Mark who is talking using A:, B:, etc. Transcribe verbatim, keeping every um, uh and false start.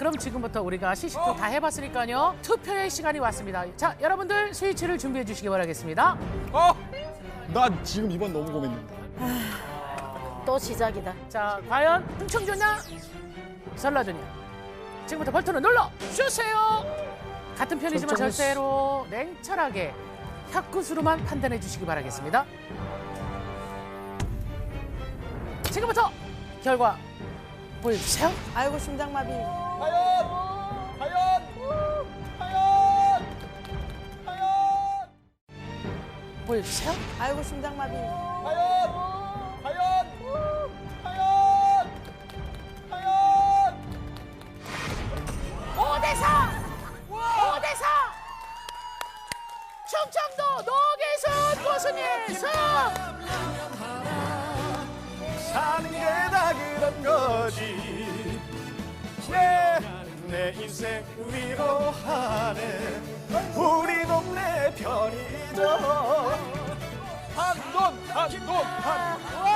A: 그럼 지금부터 우리가 시식도 다 해봤으니까요. 투표의 시간이 왔습니다. 자, 여러분들 스위치를 준비해 주시기 바라겠습니다.
B: 어? 나 지금 이번 너무 고민된다.
C: 또 시작이다.
A: 자, 과연 흥청조냐? 설라조냐? 지금부터 버튼을 눌러 주세요. 같은 편이지만
B: 결정했어.
A: 절대로 냉철하게 혀끝으로만 판단해 주시기 바라겠습니다. 지금부터 결과 보여주세요.
C: 아이고 심장마비.
B: 과연! 과연! 과연! 과연!
A: 보여주세요.
C: 아이고 심장마비.
B: 과연! 과연! 과연! 과연!
A: 오 대 사! 오 대 사! 충청도 노계순 고수님 승!
B: 사는 게 다 그런 거지. 내, 내 인생 위로하네. 우리 동네 편의점. 한돈 한돈 한.